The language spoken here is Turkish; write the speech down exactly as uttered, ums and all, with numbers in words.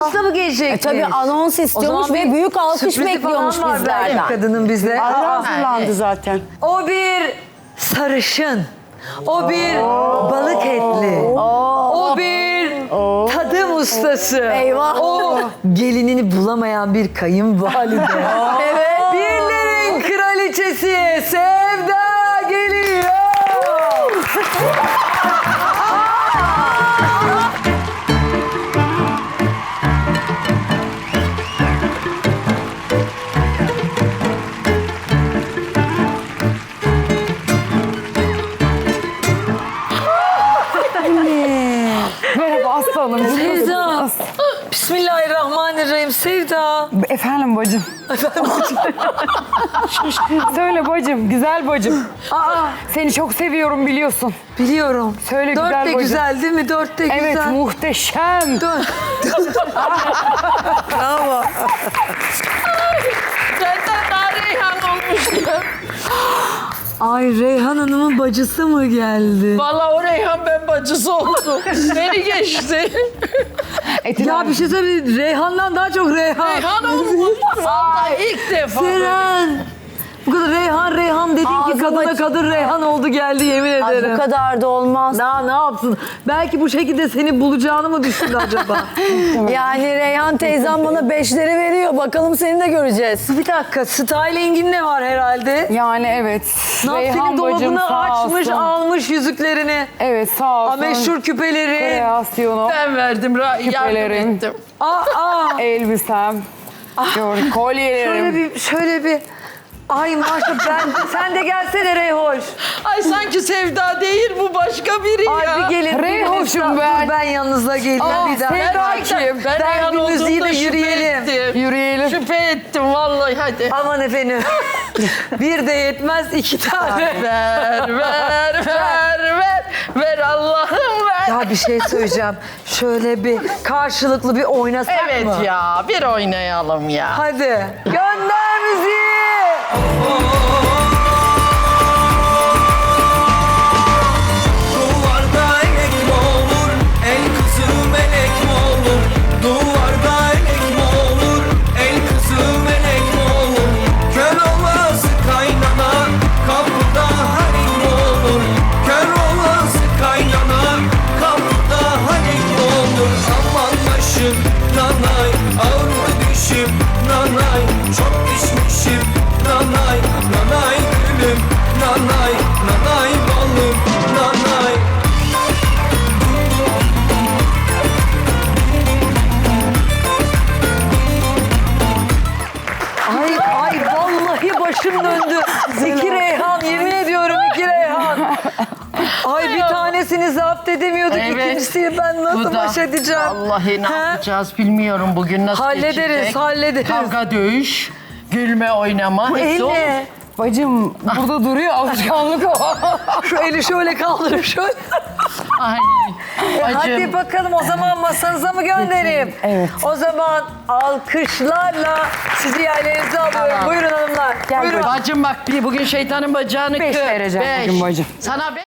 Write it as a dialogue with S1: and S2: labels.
S1: Hafta mı gelecek?
S2: E, tabii anons istiyormuş ve büyük alkış bekliyormuş bizlerden.
S1: Kadının bize.
S3: Hazırlandı zaten.
S1: O bir sarışın. O bir balık etli. O bir tadım ustası.
S2: Eyvah.
S1: O gelinini bulamayan bir kayınvalide.
S2: Evet.
S1: Birlerin kraliçesi Sevda geliyor.
S3: Merhaba aslanım.
S1: Sevda. Bismillahirrahmanirrahim Sevda.
S3: Efendim bacım. Söyle bacım, güzel bacım.
S1: Aa,
S3: Seni çok seviyorum biliyorsun.
S1: biliyorum.
S3: Söyle
S1: Dört
S3: güzel
S1: de
S3: bacım.
S1: güzel değil mi? Dört de güzel.
S3: Evet, muhteşem.
S1: Dört. Bravo.
S4: Senden daha Reyhan olmuş ya.
S1: Ay Reyhan Hanım'ın bacısı mı geldi?
S4: Vallahi o Reyhan ben bacısı oldu. Beni geçti.
S1: Ya bir şey söyleyeyim. Reyhan'dan daha çok Reyhan.
S4: Reyhan olmuş. Vallahi ilk defa.
S1: Seren. Bu kadar Reyhan Reyhan dedin ki
S2: Ağzım
S1: kadına
S2: aç-
S1: kadın Reyhan oldu geldi yemin
S2: Ay,
S1: ederim.
S2: bu kadar da olmaz.
S1: Daha ne yapsın? Belki bu şekilde seni bulacağını mı düşündü acaba?
S2: Yani Reyhan teyzem bana beşleri veriyor. Bakalım seni de göreceğiz.
S1: Bir dakika styling'in ne var herhalde?
S3: Yani evet.
S1: Ne yaptı?
S3: Reyhan
S1: Senin
S3: bacım
S1: dolabını
S3: sağ
S1: açmış
S3: olsun.
S1: almış yüzüklerini.
S3: Evet sağ olsun.
S1: A meşhur küpeleri.
S3: Kreasyonu,
S4: Ben verdim, ra- yardım
S3: Küpelerin.
S4: ettim.
S1: Aa, aa.
S3: elbisem, gör, kolyelerim.
S1: Şöyle bir şöyle bir. Ay maşallah ben sen de gelsene Reyhoş.
S4: Ay sanki Sevda değil bu başka biri
S1: Ay
S4: ya.
S1: bir gelin.
S3: Reyhoş'um
S1: bir
S3: ben.
S1: Dur ben yanınıza geleyim
S3: Aa,
S1: bir daha.
S3: Sevda
S4: Gerçekten
S3: kim?
S4: ben
S1: Ben
S4: Reyhan
S1: bir müziği de
S4: olduğumda şüphe
S1: yürüyelim.
S4: ettim.
S3: Yürüyelim.
S4: Şüphe ettim vallahi hadi.
S1: Aman efendim. Bir de yetmez iki tane.
S4: Ver, ver, ver, ver. Ver Allah'ım ver.
S1: Ya bir şey söyleyeceğim. Şöyle bir karşılıklı bir oynasak
S4: Evet
S1: mı?
S4: ya bir oynayalım ya.
S1: Hadi. Gönder müziği.
S5: Duvarda elek mi olur, el kızı melek mi olur? Duvarda elek mi olur, el kızı melek mi olur? Kör olası kaynana, kapıda harik mi olur? Kör olası kaynana, kapıda harik mi olur? Aman başım nanay, ağrı dişim nanay, çok içmişim nanay, nanay gülüm nanay, nanay balım nanay.
S1: Ay ay vallahi başım döndü. İki Reyhan yemin ediyorum iki Reyhan. Ay bir tanesini zapt edemiyorduk.
S4: Evet.
S1: İkincisiyle ben
S4: Bu
S1: nasıl
S4: da-
S1: baş edeceğim?
S4: Vallahi ne
S1: He?
S4: yapacağız bilmiyorum bugün nasıl
S1: Hallederiz,
S4: geçecek.
S1: hallederiz.
S4: Kavga dövüş, gülme oynama.
S1: Bu
S4: hepsi
S1: el
S4: olur.
S1: ne?
S3: Bacım burada duruyor alışkanlık o.
S1: Şu eli şöyle kaldırıp şöyle.
S4: Ay,
S1: E, hadi
S4: bacım.
S1: bakalım o zaman masanıza mı göndereyim?
S3: Evet.
S1: O zaman alkışlarla sizi yerlerinize alıyorum.
S4: Tamam.
S1: Buyurun hanımlar.
S3: Gel
S1: Buyurun.
S4: Bacım bak bir bugün şeytanın bacağını
S3: Beş
S4: kır.
S3: vereceğim
S4: Beş.
S3: bugün bacım.
S4: Sana beş.